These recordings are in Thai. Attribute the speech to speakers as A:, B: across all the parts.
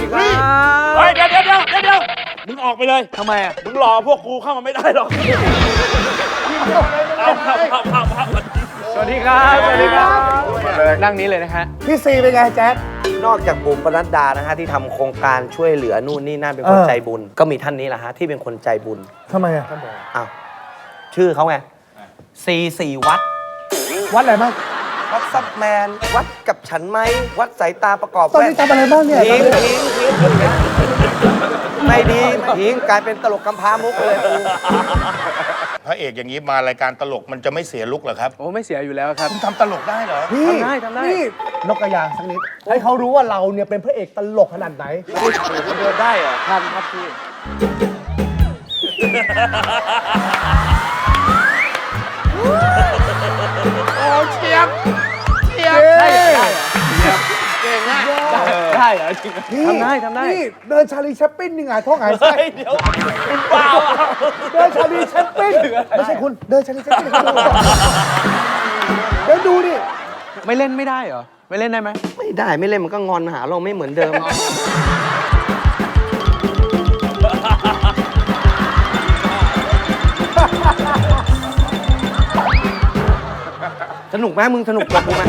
A: ครับ
B: เฮ้ยเดี๋ยวมึงออกไปเลย
A: ทำไมอ่ะ
B: มึงรอพวกกูเข้ามาไม่ได้หรอกเอา
A: สวัสดีครับสวัสดีครับนั่งนี้เลยนะฮะ
C: พี่ซีเป็นไงแจ๊ด
D: นอกจากบุ๋มปนัดดานะฮะที่ทำโครงการช่วยเหลือนู่นนี่นั่นเป็นคนใจบุญ ก็มีท่านนี้แหละฮะที่เป็นคนใจบุญ
C: ทำไมอ่ะ
D: อ้าวชื่อเขาไงสี่วัด
C: วัดอะไรบ้าง
D: วัดซับแมน วัดกับฉันไหม วัดสายตาประกอบ
C: ตอนนี้ทำอะไรบ้างเนี่ย
D: ทิ้งไม่ดีทิ้งกลายเป็นตลกกำพร้ามุกไปเลยกู
E: พระเอกอย่างนี้มารายการตลกมันจะไม่เสียลุกเหรอครับ
A: โอ้ไม่เสียอยู่แล้วครับ
E: คุณทำตลกได้เหรอ
C: พี่
A: ทำได้
C: นี่นกกระยางสักนิด ให้เขารู้ว่าเราเนี่ยเป็นพระเอกตลกขนาดไหน
A: เดินได้เหรอทันครับพี่
E: โอ้เชียบ
A: ได้เหรอเก่งนะได้เหรอจริง
C: พี่
A: ทำได้
C: นี่เดินชาลีแชปปิ้นนี่ไงท้องหายไส้
B: เดี๋ยวคุณเปล่า
C: เดินชาลีแชปปิ้นไม่ใช่คุณ เดินชาลีแชปปิ้นเดินดูดิ
A: ไม่เล่นไม่ได้เหรอ ไม่เล่นได้ไหม
D: ไม่ได้ไม่เล่นมันก็งอนหาเราไม่เหมือนเดิม สนุกไหมมึงสนุกกับกูไหม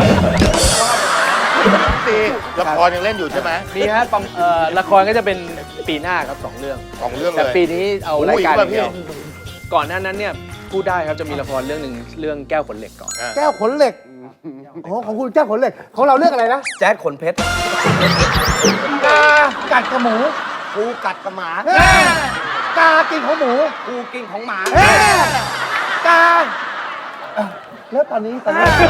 E: ตีละครยังเล่นอยู่ใช่ไหม
A: มีฮะละครก็จะเป็นปีหน้าครับ2 เรื่อง
E: ของเรื่องเลย
A: แต่ปีนี้เอารายการ
E: โอ้ย
A: เดียว
E: พี่
A: ก่อนหน้านั้นเนี่ยพูดได้ครับจะมีละครเรื่องหนึ่งเรื่องแก้วขนเหล็กก่อน
C: แก้วขนเหล็กอ๋อของคุณแก้วขนเหล็ก ของเราเรื่องอะไรนะ
D: แจ๊ดขนเพชร
C: กากัดกับหมู
D: กูกัดกับหมา
C: กากินของหมู
D: กูกินของหมา
C: กาอ่ะแล้วตอนนี้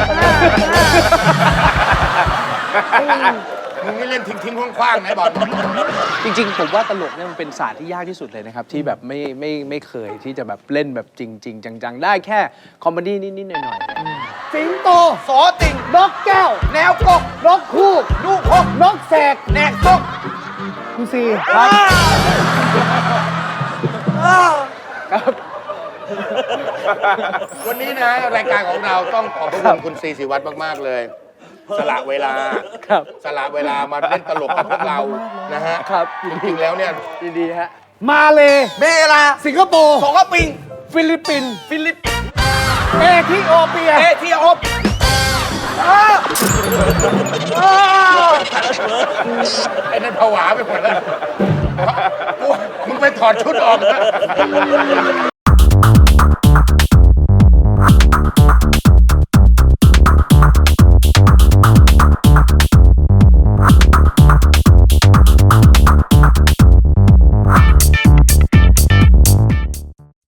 E: มึงไม่เล่นทิ้งๆคว้างๆนะบอล
A: จริงๆผมว่าตลกเนี่ยมันเป็นศาสตร์ที่ยากที่สุดเลยนะครับ ที่แบบไม่เคยที่จะแบบเล่นแบบจริง ๆ จังๆ ได้แค่คอมเมดี้นิดๆหน่อยๆเนี่ย
C: สิงโต
D: สอติ่ง
C: นกแก้ว
D: แนวกก
C: นกคู่
D: ลูกหก
C: นกแสก
D: แนกกก
C: คุณซีครับ
A: ครับ
E: วันนี้นะรายการของเราต้องขอบพระคุณคุณซีศิวัตรมากๆเลย สละเวลา
A: ครับ
E: สละเวลามาเล่นตลกกับพวกเรานะฮะ
A: ครับ
E: จริงๆแล้วเนี่ย
A: ยินดีฮะ
C: มาเล
D: เบลา
C: สิงคโปร์
D: สองปิง
C: ฟิลิปปินส์
D: ฟิลิปปินส์
C: เอธิโอเปีย
D: เอธิโอเปีย
E: ไอ้นั่นผวาไปหมดแล้วมึงไปถอดชุดออกนะ